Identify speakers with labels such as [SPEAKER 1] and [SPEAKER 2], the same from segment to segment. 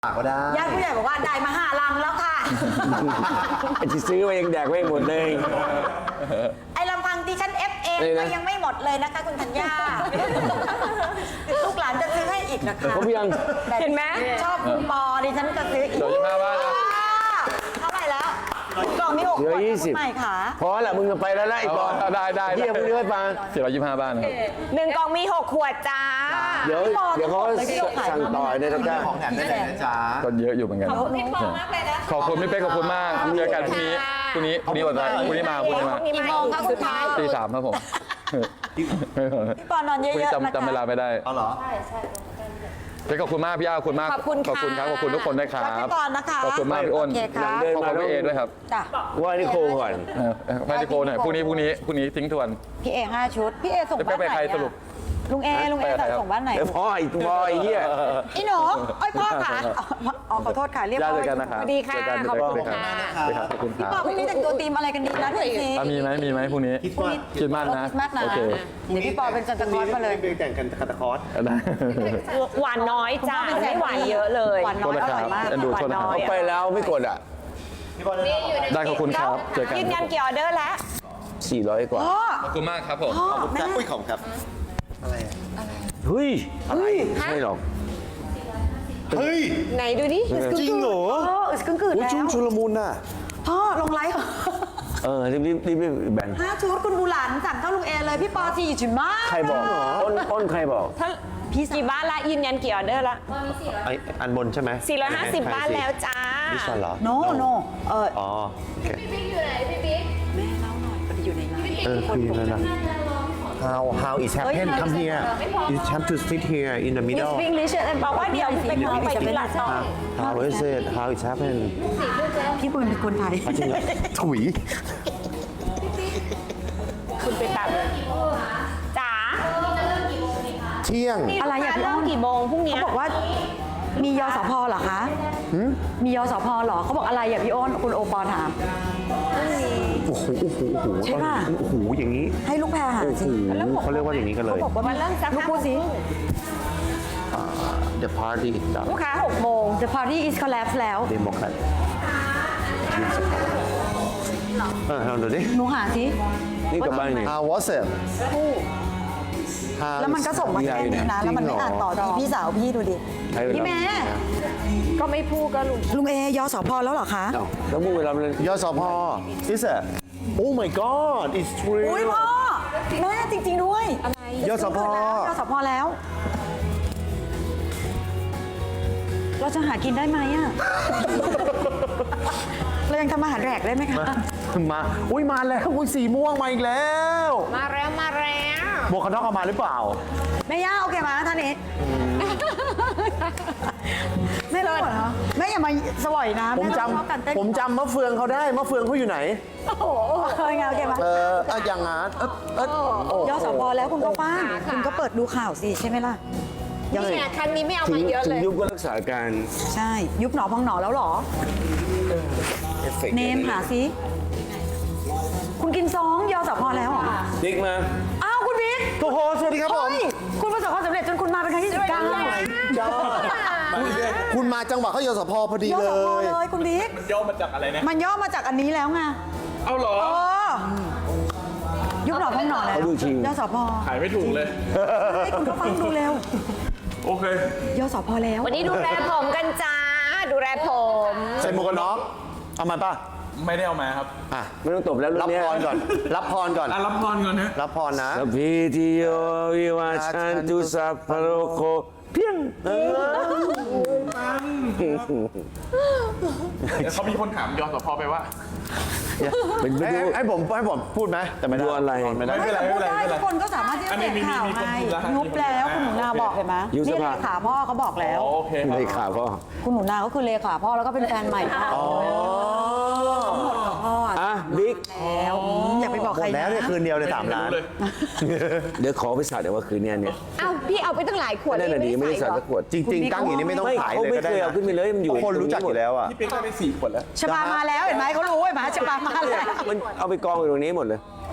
[SPEAKER 1] ก็ได้
[SPEAKER 2] ญาติผู้ใหญ่บอกว่าได้มา5 ลังแล้วค่ะ
[SPEAKER 3] ไอ้ที่ซื้อมายังแดกไม่หมดเลย
[SPEAKER 2] ไอ้ลำพังที่ฉันเอฟเองก็ยังไม่หมดเลยนะคะคุณธัญญาลูกหลานจะซื้อให้อีกนะคะ
[SPEAKER 3] ครบยัง
[SPEAKER 2] เห็นไหมชอบคุณปอดิฉันจะซื้ออีก
[SPEAKER 4] 25 บ้านนะ
[SPEAKER 2] เท่าไหร่แล้วกล่องมี6
[SPEAKER 3] เหลือ
[SPEAKER 2] ขวด
[SPEAKER 3] 20
[SPEAKER 2] ใหม่ค่ะ
[SPEAKER 3] พอละมึงจะไปแล้วนะไอ้ก่อน
[SPEAKER 4] ได้
[SPEAKER 3] เยี่ยมเรื่อยมา
[SPEAKER 4] 425 บ้านนะครับ
[SPEAKER 5] 1 กล่องมี 6 ขวดจ้า
[SPEAKER 3] เดี๋ยวเขาสั่งต่อยในตะกร้า
[SPEAKER 1] ของแถมได้เลยนะจ๊ะ
[SPEAKER 4] ก็เยอะอยู่เหมือนกัน
[SPEAKER 5] พี่ปอมากเลยนะ
[SPEAKER 4] ขอบคุณพี่เป๊กขอบคุณมากเจอกันพรุ่งนี้วันอะไรพรุ่งนี้มา
[SPEAKER 2] กี่โมงคะคุณคะ
[SPEAKER 4] ตี 3ครับผม
[SPEAKER 2] พี่ปอนอนเย
[SPEAKER 4] พรุ่งนี้
[SPEAKER 2] อะๆนะคะ
[SPEAKER 4] จำเวลาไม่ได้
[SPEAKER 1] เอาเหรอ
[SPEAKER 4] เป๊กขอบคุณมากพี่ย่าขอบคุณมาก
[SPEAKER 5] ขอบคุณค่ะ
[SPEAKER 4] ขอบคุณครับขอบคุณทุกคนด้วยครับ
[SPEAKER 2] รักพี่ปอนนะคะ
[SPEAKER 4] ขอบคุณมากพี่อ้น
[SPEAKER 2] โอเคครับ
[SPEAKER 4] ขอบคุณพี่เอด้วยครับ
[SPEAKER 2] จ้ะ
[SPEAKER 3] ว่านี่โคก่อน
[SPEAKER 4] ไปที่โกหน่อยพรุ่งนี้ทิ้งทวน
[SPEAKER 2] พี่เอ5 ชุดพี่เอส่ง
[SPEAKER 4] จะไป
[SPEAKER 2] บ้านไหน
[SPEAKER 4] ใคร
[SPEAKER 2] อะ
[SPEAKER 4] สรุป
[SPEAKER 2] ลุงเอส่งบ้านไหน
[SPEAKER 3] เดี๋ยวพ่อไอ้บอยเหี้ย
[SPEAKER 2] อีหนูไอ้ยพ่อค่ะอ๋อขอโทษค่ะเรียบ
[SPEAKER 4] ย่า
[SPEAKER 2] ร้อ
[SPEAKER 4] เจ
[SPEAKER 2] ย
[SPEAKER 4] อกันนะครับ
[SPEAKER 5] สวัสดีค่ะ
[SPEAKER 4] เจอกัน
[SPEAKER 5] ขอบคุณ
[SPEAKER 4] เจอกัน
[SPEAKER 5] ค่ะ
[SPEAKER 4] ขอบคุณค
[SPEAKER 2] พี่
[SPEAKER 4] รับ
[SPEAKER 2] ปอพรุ่งนี้แต่งตัวธีมอะไรกันดีนะดูสิ
[SPEAKER 4] มีไหมพรุ่งนี้
[SPEAKER 1] คิดว่า
[SPEAKER 4] คริดมากนะ
[SPEAKER 2] คริสต์มาสนะ
[SPEAKER 4] โอเค
[SPEAKER 2] เดี๋ยวพี่ปอเป็นซันตาคลอสมาเลย
[SPEAKER 1] ไปแต่งกันคาตาคอส
[SPEAKER 4] ได้
[SPEAKER 5] หวานน้อยจ้าไม่หวานเยอะเลย
[SPEAKER 2] หวานน้อยอร่อยมาก
[SPEAKER 4] โทษนะครับเอ็นดูโทษนะครับ
[SPEAKER 3] เขาไปแล้วไม่กดอ่ะ
[SPEAKER 4] ได้ขอบคุณครับเจอกัน
[SPEAKER 5] ยืนยันกี่ออเดอร์แล้ว
[SPEAKER 3] 400 กว่า
[SPEAKER 2] พ่อ
[SPEAKER 4] ขอบคุณมากครับผม
[SPEAKER 2] พ่อ
[SPEAKER 1] ครับ
[SPEAKER 2] แม่
[SPEAKER 1] อุ้ยของครับ อะไรอะ
[SPEAKER 3] เฮ้ย อะไรไม่หรอก
[SPEAKER 1] เฮ้ย
[SPEAKER 5] ไหนดูดิ
[SPEAKER 1] จริงเหรอ
[SPEAKER 2] อึดกึ่งกืด
[SPEAKER 1] โอ้ย
[SPEAKER 2] แล้ว
[SPEAKER 1] ชุลมุนน่ะ
[SPEAKER 2] พ่อลงไลฟ์
[SPEAKER 3] รีบแบ่ง
[SPEAKER 2] 5 ชุดคุณบูหลานสั่งเข้าลุงเอเลยพี่ปอ4 ชุดมาก
[SPEAKER 3] ใครบอกอ้นใครบอก
[SPEAKER 5] พี่กี่บ้านละยืนยันกี่ออเดอร์ละ
[SPEAKER 1] ไออันบนใช่ไหม
[SPEAKER 5] 450 บ้านแล้วจ้า
[SPEAKER 1] ดิฉันเหรอ
[SPEAKER 2] โน
[SPEAKER 1] อ๋อโอเค
[SPEAKER 2] แม่เล่าหน่อยพอดีอยู่ในไลฟ์
[SPEAKER 1] คุยแล้วนะ how is happen come here you have to sit here in the
[SPEAKER 5] มิส
[SPEAKER 1] middle
[SPEAKER 5] ฟิงลิชบอกว่าเดี๋ยวไปขอไปที่หลังต่อ
[SPEAKER 1] how is it how is happen
[SPEAKER 2] พี่ปืนเป็นคนไทย
[SPEAKER 1] จริงเหรอถุย
[SPEAKER 5] คุณไปแบบจ๋า
[SPEAKER 1] เที่ยง
[SPEAKER 2] อะไรอ่ะพี่
[SPEAKER 5] เริ่
[SPEAKER 2] อ้
[SPEAKER 5] ม
[SPEAKER 2] น
[SPEAKER 5] กี่โมงพรุ่งนี้
[SPEAKER 2] เขาบอกว่ามียสพเหรอคะมียสพเหรอเขาบอกอะไรอ่ะพี่อ้นคุณโอปอถาม
[SPEAKER 1] โอ้โหตอน
[SPEAKER 2] ใช่ป่ะ
[SPEAKER 1] โอ้โหอย่างนี้
[SPEAKER 2] ให้ลูกแพรหา
[SPEAKER 1] โอ้โห
[SPEAKER 2] สิ
[SPEAKER 1] เขาเรียกว่าอย่างนี้กันเลย
[SPEAKER 5] บอกว่ามันเริ่มสัก
[SPEAKER 2] ลูกพูดสิ
[SPEAKER 1] the party is done
[SPEAKER 5] ลูกค้า6 โมง
[SPEAKER 2] The party is collapse แล้ว
[SPEAKER 1] Democrat ลองดูดิ
[SPEAKER 2] หนูหาสิ
[SPEAKER 3] นี่กลับบ้านไง
[SPEAKER 1] How was it
[SPEAKER 2] แล้วมันก็ส่งมาแค่นี้นะ แล้วมันไม่อ่านต่อดีพี่สาวพี่ดูดิ
[SPEAKER 3] ใช้เวลา
[SPEAKER 2] พี่แม่
[SPEAKER 5] ก็ไม่พูดก็ลุง
[SPEAKER 2] ลุงเอยสพแล้วเหรอคะ
[SPEAKER 3] เอ้าแล้วมึงเวลามัน
[SPEAKER 1] ยสพ is it Oh my God it's true
[SPEAKER 2] อุ้ยพ่อแม่จริง ๆ ด้วย
[SPEAKER 1] ยสพ
[SPEAKER 2] ยสพแล้ว เราจะหากินได้ไหมอ่ะ เรายังทำอาหารแรกได้ไหมคะ
[SPEAKER 1] มาอุ้ยมาแล้วอุ้ยสีม่วงมาอีกแล้ว
[SPEAKER 5] มาแล้ว
[SPEAKER 1] หมวกกันน็อกเอามาหรือเปล่า
[SPEAKER 2] แม่ย่าโอเคไหมท่านนี้แม่รู้เหรอแม่อย่ามาสวยนะ
[SPEAKER 1] ผม
[SPEAKER 2] แต้องชอบการเต้น
[SPEAKER 1] จำผมจำมะเฟืองเขาได้มะเฟืองเขาอยู่ไหน
[SPEAKER 2] เคยไงโอเคไหม
[SPEAKER 1] อย่างงั้น
[SPEAKER 2] ยสพแล้วคุณก็ป้างคุณก็เปิดดูข่าวสิใช่ไหมล่ะ
[SPEAKER 5] นี่ไงครั้งนี้ไม่เอา
[SPEAKER 3] ถึ
[SPEAKER 5] มางเยอะ
[SPEAKER 3] ถึ
[SPEAKER 5] เล
[SPEAKER 3] ง
[SPEAKER 5] ย
[SPEAKER 3] ยุบก็รักษาการ
[SPEAKER 2] ใช่ ยุบหนอพองหนอแล้วเหรอ เนมหาสิคุณกินซองยสพแล้วเหรอ
[SPEAKER 3] ดิกมา
[SPEAKER 2] อ้าวคุณบิ๊ก
[SPEAKER 1] โอ้โหสวัสดีครับผม
[SPEAKER 2] เฮ้ยคุณประสบความสำเร็จจนคุณมาเป็นครั้งที่19
[SPEAKER 1] คุณมาจังหวะเขายสพพอดี
[SPEAKER 2] ย
[SPEAKER 1] เล
[SPEAKER 2] สพ
[SPEAKER 1] ย
[SPEAKER 2] เลยคุณบิ๊ก
[SPEAKER 4] ย่อมาจากอะไรนะ
[SPEAKER 2] มันย่อมาจากอันนี้แล้วไง
[SPEAKER 4] เอาเหรอ
[SPEAKER 2] เออยุบหนอพองหนอแล้ว
[SPEAKER 3] เขาดูจริง
[SPEAKER 2] ยสพ
[SPEAKER 4] ขายไม่ถูกเลย
[SPEAKER 2] ให้คุณก็ฟังดูเร็ว
[SPEAKER 4] โอเค
[SPEAKER 2] ยสพแล้ว
[SPEAKER 5] วันนี้ดูแลผมกันจ้า ดูแลผม
[SPEAKER 1] ใส่หมวกกันน็อกเอามาป่ะ
[SPEAKER 4] ไม่ได้เอามาครับ
[SPEAKER 1] อ่ะ
[SPEAKER 3] ไม่ต้องตบแล้วรุ่
[SPEAKER 1] รั
[SPEAKER 3] น
[SPEAKER 1] บ
[SPEAKER 3] เนี้ย
[SPEAKER 1] พรก่อน รับพรก่อน
[SPEAKER 4] รับพรก่อนนะ
[SPEAKER 1] รับพรนะ
[SPEAKER 3] สัพพิติโยวิวัชชันตุสัพพะโรโคเพียง
[SPEAKER 4] เขามีคนถามยสพไปว่า
[SPEAKER 3] เป็นไปดู
[SPEAKER 1] ให้ผมพูดไหมแต่ไม่ได้
[SPEAKER 3] ดูอะไร
[SPEAKER 1] ไม่ได้
[SPEAKER 4] ไม่เป็นไรไม่เป็นไร
[SPEAKER 2] ได้
[SPEAKER 4] ไม่เป็นไร
[SPEAKER 2] ทุกคนก็สามารถที่จะ
[SPEAKER 4] อัน
[SPEAKER 2] เส
[SPEAKER 4] นี้
[SPEAKER 2] พข่าว
[SPEAKER 4] มี
[SPEAKER 2] ไง
[SPEAKER 4] มีคนพูดแล้ว
[SPEAKER 2] ยุบแล้วคุณหนูนาบอกเห็นไหม
[SPEAKER 3] ยุบส
[SPEAKER 2] นี่
[SPEAKER 3] ภา
[SPEAKER 2] เลขาพ่อเขาบอกแล้ว
[SPEAKER 4] โอเคครับ
[SPEAKER 3] เลยขาพ่อ
[SPEAKER 2] คุณหนูนาก็คือเลขาพ่อแล้วก็เป็นแฟนใหม่พ่อ
[SPEAKER 1] อ๋อ
[SPEAKER 2] พ่อ
[SPEAKER 3] อ่ะบิ๊ก
[SPEAKER 2] แล้วอย่าไปบอก
[SPEAKER 1] หม
[SPEAKER 2] ใคร
[SPEAKER 1] ดแล้วเนี่ย
[SPEAKER 2] นะ
[SPEAKER 1] คืนเดียวเลย3 ล้าน
[SPEAKER 4] เลย
[SPEAKER 3] เดี๋ยวขอไปสาดเดี๋ยวว่าคืนเนี้ยเนี่ย
[SPEAKER 5] เอ้าพี่เอาไปตั้งหลายขวด
[SPEAKER 3] นั่นน่ะดีไม่ได้สาด
[SPEAKER 5] หรอ
[SPEAKER 3] สักขวด
[SPEAKER 1] จริง ๆ ตั้งอย่างนี้ไม่ต้อง
[SPEAKER 3] ไม่
[SPEAKER 1] ขาย
[SPEAKER 3] เขา
[SPEAKER 1] เลย
[SPEAKER 3] ไม่
[SPEAKER 1] ก็ได้
[SPEAKER 3] เคยเอาขึ้นไปเลยมันอยู่
[SPEAKER 1] คนรู้จักอยู่แล้วอ่ะ
[SPEAKER 4] พี่เป๊กได้ไป4 ขวดแล้ว
[SPEAKER 2] ชบามาแล้วเห็นไหมเขารู้เห็นไหมชบามาแล้ว
[SPEAKER 3] มันเอาไปกองอยู่ตรงนี้หมดเลย
[SPEAKER 2] โ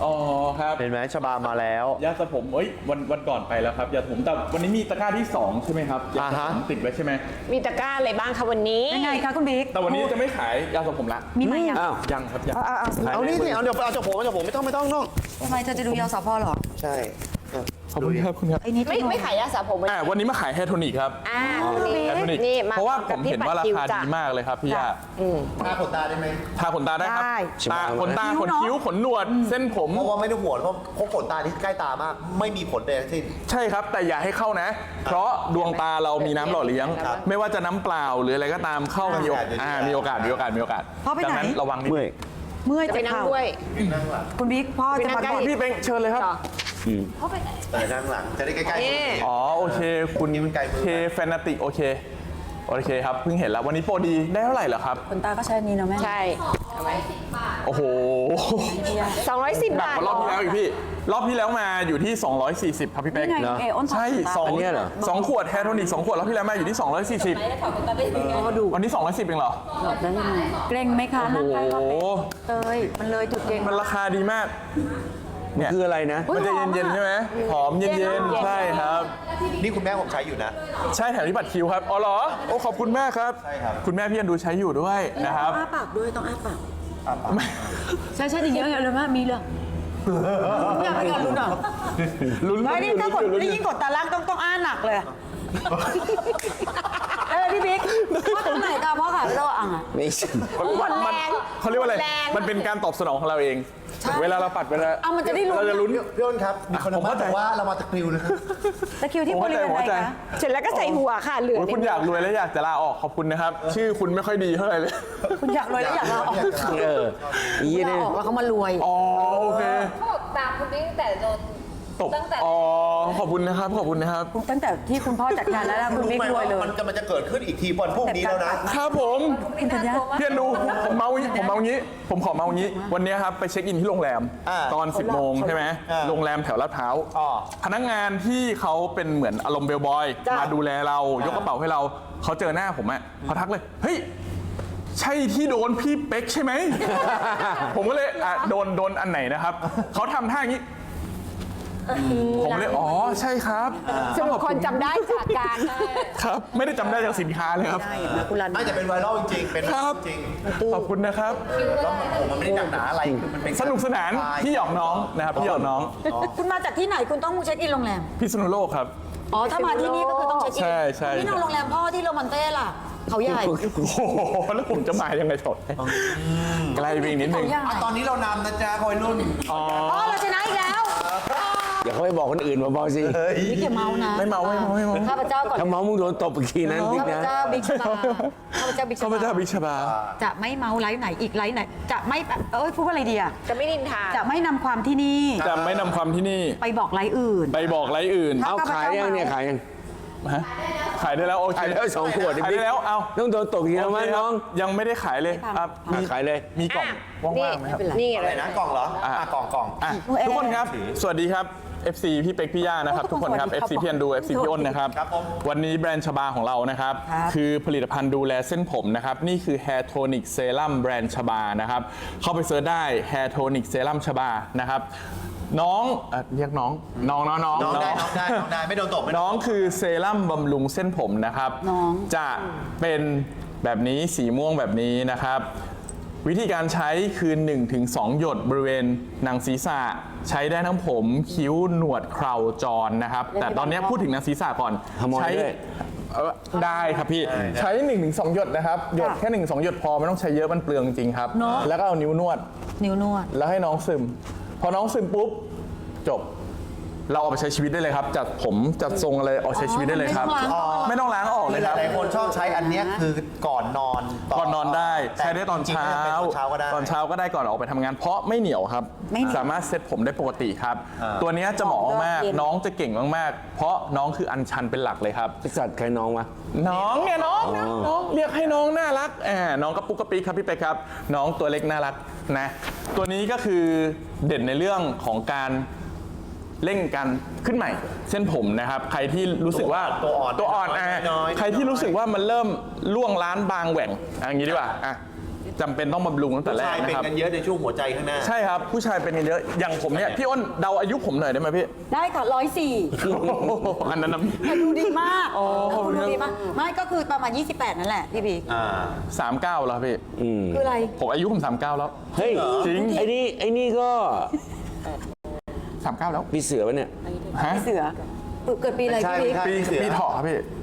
[SPEAKER 4] อ๋อครับ
[SPEAKER 1] เห็นไหมชบามาแล้ว
[SPEAKER 4] ยาสระผมวันก่อนไปแล้วครับยาสระผมแต่วันนี้มีตะกร้าที่ 2 ใช่ไหมครับยาสระผมติดไว้ใช่ไหม
[SPEAKER 5] มีตะกร้าอะไรบ้างคะวันนี้
[SPEAKER 2] ยังไงคะคุณบิ๊ก
[SPEAKER 4] แต่วันนี้จะไม่ขายยาสระผมละ
[SPEAKER 2] มีไหมยัง
[SPEAKER 1] อ้าว
[SPEAKER 4] ยังครับยัง
[SPEAKER 1] เอานี่สิเอาเดี๋ยวเอาจากผมไม่ต้องน้อง
[SPEAKER 2] ทำไมเธอจะดูยอสพหรอ
[SPEAKER 1] ใช่
[SPEAKER 4] ขอบคุณครับคุณครับ
[SPEAKER 2] ไอ้นี่
[SPEAKER 5] ไม่ขายยาสระผมวันนี้
[SPEAKER 4] วันนี้มาขายแฮร์โทนิกครับ
[SPEAKER 5] วันนี้
[SPEAKER 4] แฮร์โทนิก
[SPEAKER 5] นี่มา
[SPEAKER 4] เพราะว่าผม
[SPEAKER 5] พี่
[SPEAKER 4] เห็นว่ารา
[SPEAKER 5] ปัดคิว
[SPEAKER 4] คา
[SPEAKER 5] จ้ะ
[SPEAKER 4] ดีมากเลยครับพี่ย่า
[SPEAKER 1] ทาขนตาได้ไหม
[SPEAKER 4] ทาขนตาได้ครับตาขนตาขนคิ้วขนหนวด เส้นผม
[SPEAKER 1] เพราะว่าไม่ต้องห่วงเพราะขนตาที่ใกล้ตามาก ไม่มีผลใดทั้งสิ้น
[SPEAKER 4] ใช่ครับแต่อย่าให้เข้านะ เพราะดวงตาเรามีน้ำหล่อเลี้ยง
[SPEAKER 1] ครับ
[SPEAKER 4] ไม่ว่าจะน้ำเปล่าหรืออะไรก็ตามเข้ามีโอกาสมีโอกาสดังนั้นระวังนิด
[SPEAKER 1] เมื่อย
[SPEAKER 2] เมื่อย
[SPEAKER 5] จะ
[SPEAKER 2] จะ
[SPEAKER 5] ไปนั่ง
[SPEAKER 2] เข่า
[SPEAKER 5] ด้วย
[SPEAKER 2] คุณบิ๊กพ่อจะมา
[SPEAKER 5] ไปนั่งใกล้
[SPEAKER 2] ก่อน
[SPEAKER 4] พี่เป็งเชิญเลยครับ
[SPEAKER 1] นั่งหลังจะได้ใกล้ๆ
[SPEAKER 4] อ๋อโอเค คุณ
[SPEAKER 1] นี่มันไกลมือ
[SPEAKER 4] เคแฟนาติกโอเคครับเพิ่งเห็นแล้ววันนี้โปรดีได้เท่าไหร่เหรอครับ
[SPEAKER 2] ขนตาก็ใช้อันนี้เนาะแม่
[SPEAKER 5] ใช่
[SPEAKER 4] โอ้โห
[SPEAKER 5] 210
[SPEAKER 4] หนัก
[SPEAKER 5] บาท
[SPEAKER 4] กว่ารอบที่แล้วอีกพี่ รอบที่แล้วมาอยู่ที่ 240 ครับพี่เป๊ก
[SPEAKER 2] นี่ไงเออ้น
[SPEAKER 4] ใช่สอง
[SPEAKER 1] อันเนี้ยเหรอ
[SPEAKER 4] สองขวดแฮร์โทนิก2 ขวดรอบที่แล้วมาอยู่ที่ 240วันนี้ 210เองเหรอ
[SPEAKER 2] เกรงไหมคะนั่งใกล้
[SPEAKER 4] โอ้
[SPEAKER 2] ก็
[SPEAKER 4] โห
[SPEAKER 2] เอ้ยมันเลยจุดเก่ง
[SPEAKER 4] มันราคาดีมากเนี่ย
[SPEAKER 1] คืออะไรนะ
[SPEAKER 4] มันจะเย็นๆใช่ไหมหอมเย็นๆใช่ครับ
[SPEAKER 1] นี่คุณแม่ผมใช้อยู่นะ
[SPEAKER 4] ใช่แถมที่บัตรคิวครับอ๋อเหรอโอ้ขอบคุณมากครับ
[SPEAKER 1] ใช่ครับ
[SPEAKER 4] คุณแม่พี่อันดูใช้อยู่ด้วยนะครับ
[SPEAKER 2] อ้าปากด้วยต้องอ้าปากใช่อย่างเงี้ยเลยแม่มีเลยอยากให้กันลุ้นอ่ะ
[SPEAKER 4] ลุ้น
[SPEAKER 2] ไม่นี่ถ้ากด
[SPEAKER 4] ลุ้น
[SPEAKER 2] นี่ยิ่งกดตาล่างต้องอ้าหนักเลยพี่บิ๊กพ่อทำไหนตาพ่อขาเราอ่ะ
[SPEAKER 1] ไม่ใช่
[SPEAKER 4] มันเขาเรียกว่าอะไร
[SPEAKER 5] แรง
[SPEAKER 4] มันเป็นการตอบสนองของเราเอง เวลาเราปัดเวลา
[SPEAKER 2] เอามันจะได้ลุ้น
[SPEAKER 4] เราจะลุ้น
[SPEAKER 1] พี่อ้นครับ มีคน
[SPEAKER 4] ผมเข้าใจ
[SPEAKER 1] บอกว่าเรามาจากกริวนะครับ
[SPEAKER 2] ตะคริวที่บริเวณ
[SPEAKER 4] ผม
[SPEAKER 2] ไหน
[SPEAKER 4] เข้าใจ
[SPEAKER 2] คะ
[SPEAKER 5] เสร็จแล้วก็ใส่หัวค่ะเหลือ
[SPEAKER 4] โอ้ยคุณอยากรวยและอยากจะลาออกขอบคุณนะครับ ชื่อคุณไม่ค่อยดีเท่าไหร่เลย
[SPEAKER 2] คุณอยากรวยแล้วอยากลาออก
[SPEAKER 1] ยี่
[SPEAKER 2] ลา
[SPEAKER 1] นี่
[SPEAKER 2] ออกแล้วเขามารวย
[SPEAKER 4] อ๋อโอเค
[SPEAKER 6] เขาบอกตามคุณบิ๊กตั้งแต่โดน
[SPEAKER 4] ตบ
[SPEAKER 6] ตั้งแต่
[SPEAKER 4] อ๋อขอบคุณนะครับขอบคุณนะครับ
[SPEAKER 2] ตั้งแต่ที่คุณพ่อจัดงานแล้วนะคุณบิ๊กรวยเลย
[SPEAKER 1] มันจะเกิดขึ้นอีกทีวันพรุ่งนี้แล้วนะ
[SPEAKER 4] ครับผม
[SPEAKER 2] คุณธัญญา
[SPEAKER 4] เพี่อนดูผมเมางี้ผมขอเมางี้ วันนี้ครับไปเช็คอินที่โรงแรม
[SPEAKER 1] อ่า
[SPEAKER 4] ตอน 10 โมงใช่ไหม
[SPEAKER 1] อ่า
[SPEAKER 4] โรงแรมแถวลาดพร้าว
[SPEAKER 1] อ๋อ
[SPEAKER 4] พนักงานที่เขาเป็นเหมือนอารมณ์เบลบอย
[SPEAKER 2] จ้ะ
[SPEAKER 4] มาดูแลเรายกกระเป๋าให้เราเขาเจอหน้าผมอะเขาทักเลยเฮ้ยใช่ที่โดนพี่เป๊กใช่ไหม ผมก็เลยโดนอันไหนนะครับเขาทำท่าอย่างนี้ ผมเลยอ๋อใช่ครับ
[SPEAKER 5] สรุปคนจำได้จากการ
[SPEAKER 4] ครับ ไม่ได้จำได้จากสินค้าเลยครับ
[SPEAKER 2] ได้นะคุณรัน
[SPEAKER 1] ไม่แต่เป็นไวรัลจริงๆ เป็น
[SPEAKER 4] ครับ
[SPEAKER 1] จริง
[SPEAKER 4] ขอบคุณนะครับ
[SPEAKER 1] แล้วผมมันไม่ได้หนักหนาอะไรคือมันเป็น
[SPEAKER 4] สนุกสนานพี่หยอกน้องนะครับพี่หยอกน้อง
[SPEAKER 2] คุณมาจากที่ไหนคุณต้องเช็คอินโรงแรม
[SPEAKER 4] พิษณุโลกครับ
[SPEAKER 2] อ๋อ ถ้ามาที่นี่ก็คือต้องเช็คอิน
[SPEAKER 4] ใช่
[SPEAKER 2] นี่นอนโรงแรมพ่อที่โรมันเต้ล่ะ เขาใหญ่
[SPEAKER 4] โอ้โหแล้วผมจะมายังไงสดไกลไปอีกนิดนึง
[SPEAKER 2] เขาใหญ่
[SPEAKER 1] ตอนนี้เรานำนะจ๊ะคอยรุ่น
[SPEAKER 2] อ๋อเราชนะอีกแล้ว
[SPEAKER 3] อย่าเขาไปบอกคนอื่นมาบอกสิ
[SPEAKER 2] บิ๊กอย่าเมานะ
[SPEAKER 4] ไม่เมา
[SPEAKER 2] ข้าพเจ้าก่อน
[SPEAKER 3] ถ้าเมามึงโดนตบอีกทีนั้นบิ๊ก
[SPEAKER 2] ข้าพ
[SPEAKER 3] นะ
[SPEAKER 2] เจ้าบิ๊กชบาข้าพเจ้าบิ๊กช
[SPEAKER 4] ข้าพ
[SPEAKER 2] บา
[SPEAKER 4] เจ้าบิชบา
[SPEAKER 2] จะไม่เมาไลฟ์ไหนอีกไลฟ์ไหน จะไม่พูดว่าอะไรดีอะ
[SPEAKER 5] จะไม่นินทา
[SPEAKER 2] จะไม่นำความที่นี่
[SPEAKER 4] จะไม่นำความที่นี่
[SPEAKER 2] ไปบอกไลฟ์อื่น
[SPEAKER 4] ไปบอกไรอื่น
[SPEAKER 3] เอาขายยังเนี่ยขายยัง
[SPEAKER 4] ฮะขายได้แล้วโอเค
[SPEAKER 3] ขายแล้ว2 ขวด
[SPEAKER 4] ขายได้แล้วเอา
[SPEAKER 3] ต้องโดนตบอีกแล้วมั้งน้อง
[SPEAKER 4] ยังไม่ได้ขายเลยครับมี
[SPEAKER 3] ขายเลย
[SPEAKER 4] มีกล่องว่างๆไหมครับ
[SPEAKER 5] นี่
[SPEAKER 1] อะไร
[SPEAKER 5] เลย
[SPEAKER 1] นะกล่องเหรอ กล่อง
[SPEAKER 4] อ่ะทุกคนครับ สวัสดีครับ FC พี่เป็กพี่ย่านะครับ ทุกคนครับ FC พี่อันดู FC พี่อ้นนะครับ
[SPEAKER 1] ครับผม
[SPEAKER 4] วันนี้แบรนด์ชบาของเรานะครับ
[SPEAKER 2] ครับ
[SPEAKER 4] คือผลิตภัณฑ์ดูแลเส้นผมนะครับ นี่คือ Hair Tonic Serum แบรนด์ชบานะครับ เข้าไปเซิร์ชได้ Hair Tonic Serum ชบานะครับ น้องเรียกน้อง
[SPEAKER 1] น้องได้ไม่โดนตบไม่โดน
[SPEAKER 4] น้องคือเซรั่มบำรุงเส้นผมนะครับ
[SPEAKER 2] น้อง
[SPEAKER 4] จะเป็นแบบนี้สีม่วงแบบนี้นะครับ วิธีการใช้คือ 1-2 หยดบริเวณหนังศีรษะใช้ได้ทั้งผมคิ้วหนวดเคราจรนะครับ แต่ตอนนี้พูดถึงหนังศีรษะก่อน
[SPEAKER 3] ขโมย
[SPEAKER 4] ใช้
[SPEAKER 3] ด้วย
[SPEAKER 4] ได้ครับพี่ ใช้ 1-2 หยดนะครับ หยดแค่ 1-2 หยดพอไม่ต้องใช้เยอะมันเปลืองจริงครับ แล้วก็เอานิ้วนวด
[SPEAKER 2] นิ้วนวด
[SPEAKER 4] แล้วให้น้องซึม พอน้องซึมปุ๊บ จบ เราเอาไปใช้ชีวิตได้เลยครับ จัดผมจัดทรงอะไรออกใช้ชีวิตได้เลยครับ ไม่ต้องล้างออกเลยครับ
[SPEAKER 1] หลายๆคนชอบใช้อันเนี้ยคือก่อนนอน
[SPEAKER 4] ก่อนนอนได้ใช้ได้ตอนเช้า
[SPEAKER 1] ตอนเช้าก็ได้
[SPEAKER 4] ตอนเช้าก็ได้ก่อนออกไปทำงาน เพราะไม่เหนียวครับ
[SPEAKER 2] ไม่เหนียว
[SPEAKER 4] สามารถเซ็ตผมได้ปกติครับ ตัวเนี้ยจะเหมาะมาก
[SPEAKER 2] เย็น
[SPEAKER 4] น้องจะเก่งมากๆ เพราะน้องคืออัญชันเป็นหลักเลยครับ
[SPEAKER 3] สัตว์ใครน้องวะ
[SPEAKER 4] น้องเนี่ยน้องเรียกให้น้องน่ารักน้องกระปุกกระปิกครับพี่เป็กครับ น้องตัวเล็กน่ารักนะตัวนี้ก็คือเด่นในเรื่องของการเร่งการขึ้นใหม่เส้นผมนะครับ ใครที่รู้สึกว่า
[SPEAKER 1] ตัวอ่อน
[SPEAKER 4] อ่ะ
[SPEAKER 1] น้อยๆ
[SPEAKER 4] ใครที่รู้สึกว่ามันเริ่มล่วงล้านบางแหว่งอย่างนี้ดีกว่าจำเป็นต้องบำรุงตั้งแต่แร
[SPEAKER 1] ชาก ย
[SPEAKER 4] นะ
[SPEAKER 1] เป็น
[SPEAKER 4] ครับ
[SPEAKER 1] กันเยอะในช่วงหัวใจข้างหน้า
[SPEAKER 4] ใช่ครับ ผู้ชายเป็นกันเยอะอย่างผมเนี่ยพี่อ้นเดาอายุผมหน่อยได้ไหมพี่
[SPEAKER 2] ได้ค่ะ104
[SPEAKER 4] อันนั้นนะ
[SPEAKER 2] แต่ดูดีมากคุณดูดีมาก ไม่ก็คือประมาณ 28 นั่นแหละพี่บิ๊ก
[SPEAKER 4] 39แล้วครับพี่
[SPEAKER 2] คืออะไร
[SPEAKER 4] ผมอายุผม39แล้ว
[SPEAKER 3] เฮ้ย
[SPEAKER 4] จริง
[SPEAKER 3] ไอ้นี่ก็
[SPEAKER 4] 39แล้ว
[SPEAKER 3] มีเสือปะเนี่ย
[SPEAKER 4] ฮะ
[SPEAKER 2] เสือเกิดปีอะไร
[SPEAKER 1] ใช่
[SPEAKER 2] พี่บิ๊ก
[SPEAKER 1] ใช่
[SPEAKER 4] ปีเถาะครับพี่